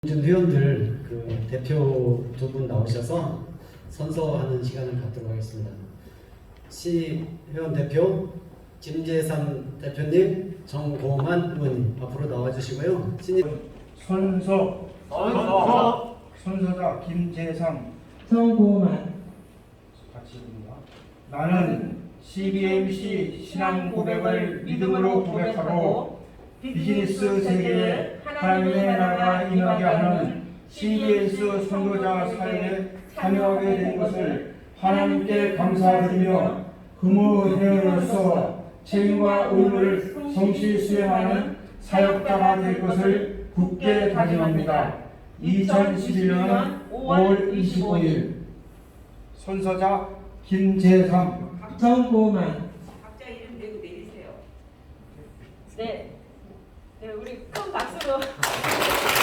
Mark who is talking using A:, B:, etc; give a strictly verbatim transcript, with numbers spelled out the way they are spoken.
A: 좀 회원들 그 대표 두 분 나오셔서 선서하는 시간을 갖도록 하겠습니다. 시 회원 대표 김재삼 대표님, 정고만 의원님 앞으로 나와주시고요. 신입
B: 선서 선서 선서자 김재상
C: 정고만
B: 같이 입니다. 나는 씨비엠씨 신앙 고백을 믿음으로 고백하고 비즈니스 세계에 하나님의 나라가 임하게 하는 씨비에스 선교자 사역에 참여하게 된 것을 하나님께 감사드리며 금호 회원으로서 책임과 의무를 성실히 수행하는 사역자가 될 것을 굳게 다짐합니다. 이천십일 년 오월 이십오일 선서자 김재삼
C: 정고만.
D: 각자 이름 내고 내리세요. 네. 네, 우리 큰 박수로.